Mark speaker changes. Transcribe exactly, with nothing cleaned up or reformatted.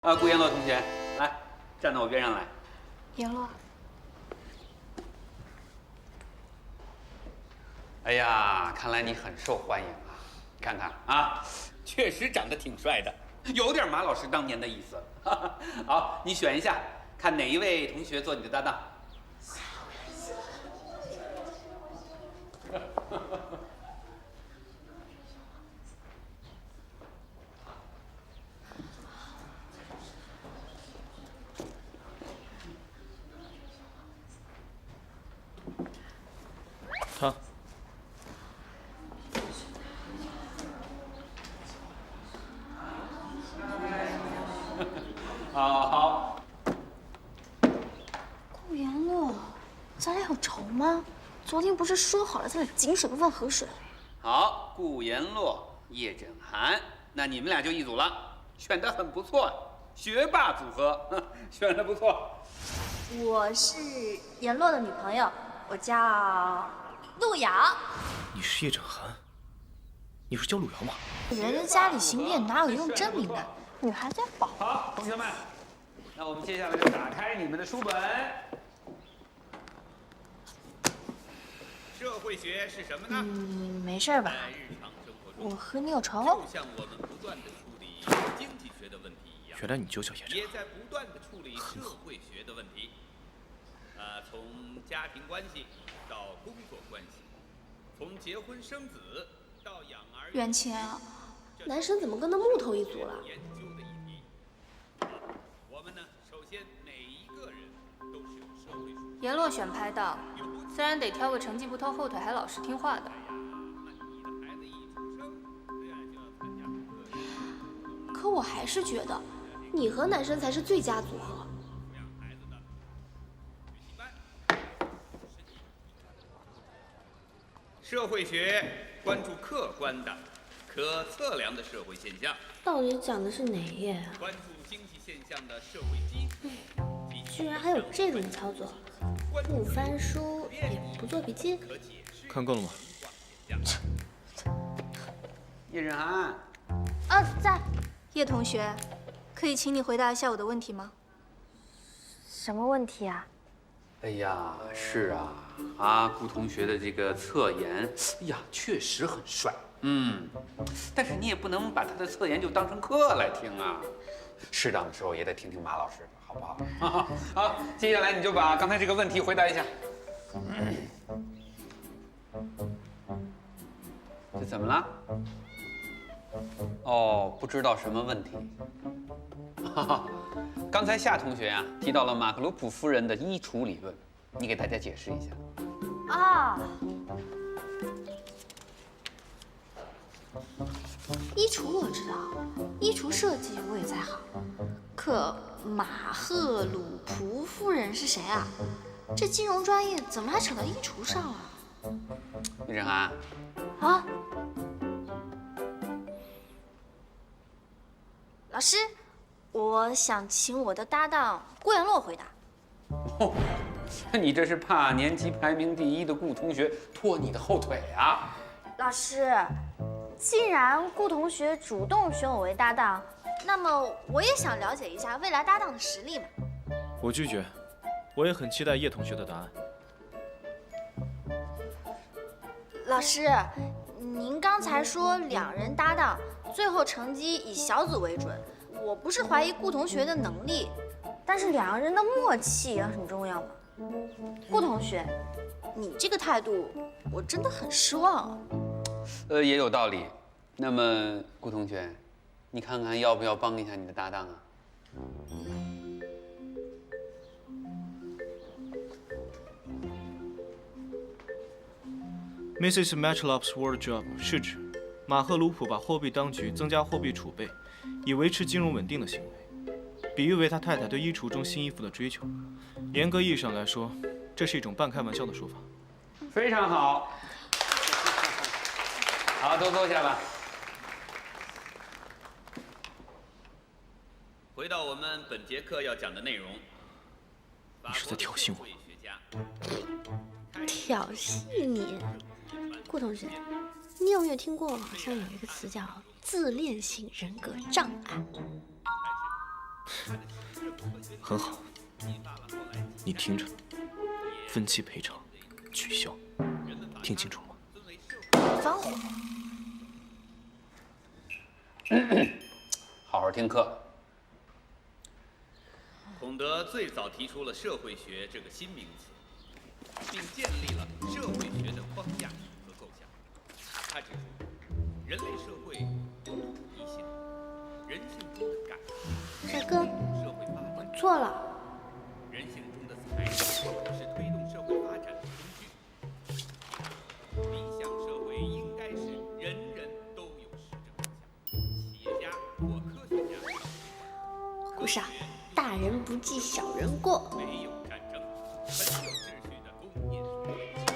Speaker 1: 啊，顾言洛同学，来，站到我边上来。
Speaker 2: 言洛，
Speaker 1: 哎呀，看来你很受欢迎啊！看看啊，确实长得挺帅的，有点马老师当年的意思。好，你选一下，看哪一位同学做你的搭档。
Speaker 3: 他。
Speaker 1: 好好。
Speaker 2: 顾言洛，咱俩有仇吗？昨天不是说好了咱俩井水不犯河水？
Speaker 1: 好，顾言洛、叶轸涵，那你们俩就一组了，选得很不错，学霸组合，选得不错。
Speaker 2: 我是言洛的女朋友，我叫陆瑶。
Speaker 3: 你是叶轸涵？你是叫陆瑶吗？
Speaker 2: 人家家里行骗哪有用真名的？女孩子要保护。
Speaker 1: 好，同学们，那我们接下来就打开你们的书本。
Speaker 4: 社会学是什么呢？
Speaker 2: 嗯，没事吧？
Speaker 4: 在日常生活中，
Speaker 2: 我和你有仇？
Speaker 4: 就像我们不断的处理经济学的问题一样，
Speaker 3: 原来你就叫叶轸
Speaker 4: 也
Speaker 3: 涵。
Speaker 4: 在不断的处理社会学的问题。呃，从家庭关系到工作关系，从结婚生子到养儿。
Speaker 2: 袁晴，
Speaker 5: 男生怎么跟那木头一组了？
Speaker 4: 研究的一题。我们呢，首先每一个人都是有社会属性。
Speaker 6: 言洛选拍档，虽然得挑个成绩不拖后腿还老实听话的。
Speaker 5: 可我还是觉得，你和男生才是最佳组合。
Speaker 4: 社会学关注客观的、可测量的社会现象，
Speaker 5: 到底讲的是哪一页啊？
Speaker 4: 关注经济现象的社会基础。
Speaker 5: 居然还有这种操作，不翻书也不做笔记。
Speaker 3: 看够了吗？
Speaker 1: 叶轸涵，
Speaker 2: 啊，在。
Speaker 6: 叶同学，可以请你回答一下我的问题吗？
Speaker 2: 什么问题啊？
Speaker 1: 哎呀，是啊，啊，顾同学的这个侧颜，哎呀，确实很帅，嗯，但是你也不能把他的侧颜就当成课来听啊，适当的时候也得听听马老师的，好不好？好，接下来你就把刚才这个问题回答一下。这怎么了？哦，不知道什么问题。哈哈，刚才夏同学啊提到了马克罗普夫人的衣橱理论，你给大家解释一下。
Speaker 2: 啊，衣橱我知道，衣橱设计我也在行。可马赫鲁普夫人是谁啊？这金融专业怎么还扯到衣橱上了？
Speaker 1: 叶轸涵，
Speaker 2: 啊，老师，我想请我的搭档顾言洛回答。
Speaker 1: 哦，你这是怕年级排名第一的顾同学拖你的后腿啊？
Speaker 2: 老师，既然顾同学主动选我为搭档，那么我也想了解一下未来搭档的实力嘛。
Speaker 3: 我拒绝，我也很期待叶同学的答案。
Speaker 2: 老师，您刚才说两人搭档，最后成绩以小组为准。我不是怀疑顾同学的能力，但是两个人的默契也很重要嘛。顾同学，你这个态度，我真的很失望啊。
Speaker 1: 呃，也有道理。那么顾同学，你看看要不要帮一下你的搭档啊？
Speaker 3: Missus Matchlop's wardrobe 是指马赫鲁普把货币当局增加货币储备，以维持金融稳定的行为，比喻为他太太对衣橱中新衣服的追求。严格意义上来说，这是一种半开玩笑的说法。
Speaker 1: 非常好，好，都坐下吧。
Speaker 4: 回到我们本节课要讲的内容。
Speaker 3: 你是在挑衅我？
Speaker 5: 挑衅你？顾同学，你有没有听过好像有一个词叫自恋型人格障碍？
Speaker 3: 很好，你听着，分期赔偿取消，听清楚了吗？
Speaker 2: 防火。
Speaker 1: 好好听课。
Speaker 4: 孔德最早提出了社会学这个新名词，并建立了社会学的框架和构想。他指出，人类社会有统一性，人性中的感
Speaker 5: 帅哥，
Speaker 4: 社会发展，
Speaker 5: 我错了。
Speaker 4: 人性中的才能是推动社会发展的工具。理想社会应该是人人都有实质方向，企业家或科学家。
Speaker 5: 顾少，大人不计小人过。
Speaker 4: 没有